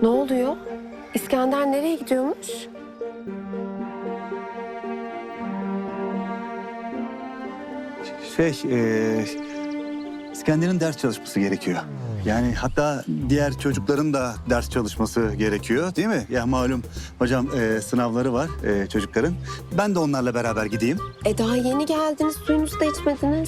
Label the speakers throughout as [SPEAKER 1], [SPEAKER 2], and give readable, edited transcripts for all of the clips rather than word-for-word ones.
[SPEAKER 1] Ne oluyor? İskender nereye gidiyormuş?
[SPEAKER 2] İskender'in ders çalışması gerekiyor. Yani hatta diğer çocukların da ders çalışması gerekiyor değil mi? Ya malum hocam sınavları var çocukların. Ben de onlarla beraber gideyim.
[SPEAKER 1] Daha yeni geldiniz, suyunuzu da içmediniz.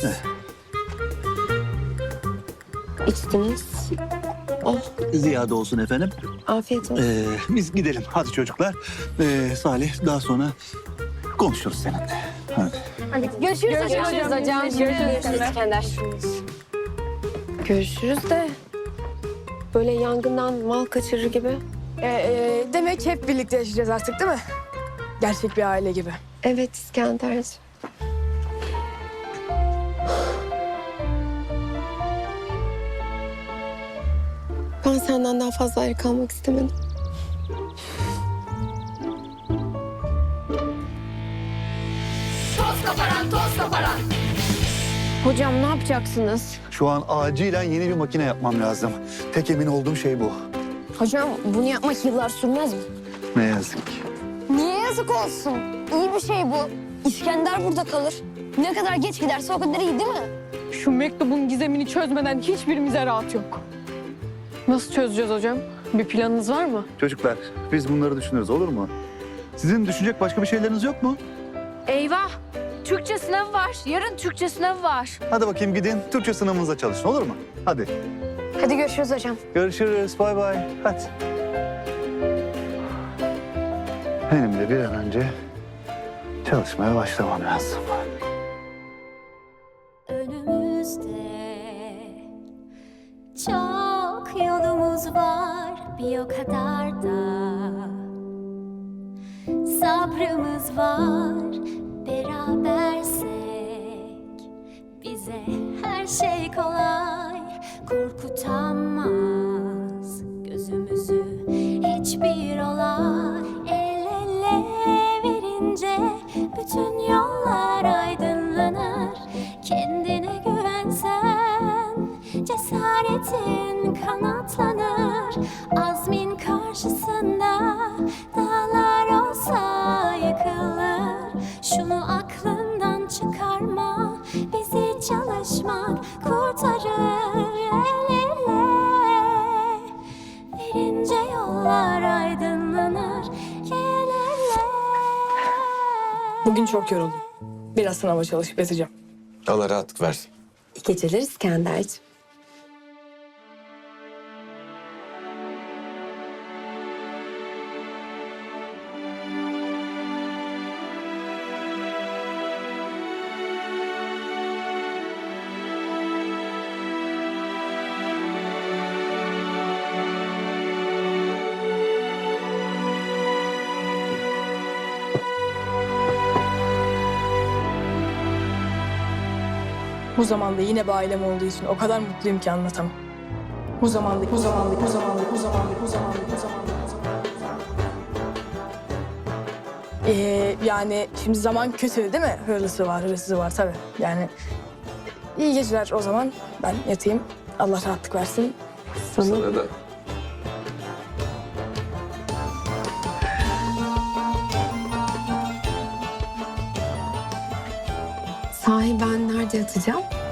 [SPEAKER 1] İçtiniz. Oh,
[SPEAKER 2] Ziyade olsun efendim.
[SPEAKER 1] afiyet olsun.
[SPEAKER 2] Biz gidelim hadi çocuklar. Salih daha sonra konuşuruz seninle. Hadi.
[SPEAKER 3] Görüşürüz hocam. Görüşürüz İskender.
[SPEAKER 1] Görüşürüz de böyle yangından mal kaçırır gibi.
[SPEAKER 3] Demek hep birlikte yaşayacağız artık değil mi? Gerçek bir aile gibi.
[SPEAKER 1] Evet İskenderciğim. Ben senden daha fazla ayrı kalmak istemedim.
[SPEAKER 3] Hocam ne yapacaksınız?
[SPEAKER 2] Şu an acilen yeni bir makine yapmam lazım. Tek emin olduğum şey bu.
[SPEAKER 4] Hocam bunu yapmak yıllar sürmez mi?
[SPEAKER 2] Ne yazık ki.
[SPEAKER 4] Niye yazık olsun? İyi bir şey bu. İskender burada kalır. Ne kadar geç giderse o kadar iyi değil mi?
[SPEAKER 5] Şu mektubun gizemini çözmeden hiçbirimize rahat yok. Nasıl çözeceğiz hocam? Bir planınız var mı?
[SPEAKER 2] Çocuklar biz bunları düşünürüz olur mu? Sizin düşünecek başka bir şeyleriniz yok mu?
[SPEAKER 6] Eyvah! Türkçe sınavı var. Yarın Türkçe sınavı var.
[SPEAKER 2] Hadi bakayım gidin Türkçe sınavınıza çalışın olur mu? Hadi.
[SPEAKER 4] Hadi görüşürüz hocam.
[SPEAKER 2] Görüşürüz. Bay bay. Hadi. Benim de bir an önce çalışmaya başlamam lazım.
[SPEAKER 7] Önümüzde çok yolumuz var, bir o kadar da sabrımız var. Berabersek bize her şey kolay, korkutamaz gözümüzü hiçbir olay. El ele verince bütün yollar aydınlanır. Kendine güvensen cesaretin kanatlanır. Azmin karşısında dağlar olsa yıkılır. Şunu aklından çıkarma, bizi çalışmak kurtarır. El ele verince yollar aydınlanır. El ele.
[SPEAKER 3] Bugün çok yoruldum. Biraz sınava çalışıp yatacağım.
[SPEAKER 8] Allah rahatlık versin.
[SPEAKER 1] İyi geceler İskenderciğim.
[SPEAKER 3] Bu zamanda yine bir ailem olduğu için o kadar mutluyum ki anlatamam. Bu zamanda. Yani şimdi zaman kötü değil mi? Hırlısı var, hırsızı var tabii. Yani iyi geceler o zaman. Ben yatayım. Allah rahatlık versin.
[SPEAKER 8] Sana da.
[SPEAKER 1] Sahi ben nerede yatacağım?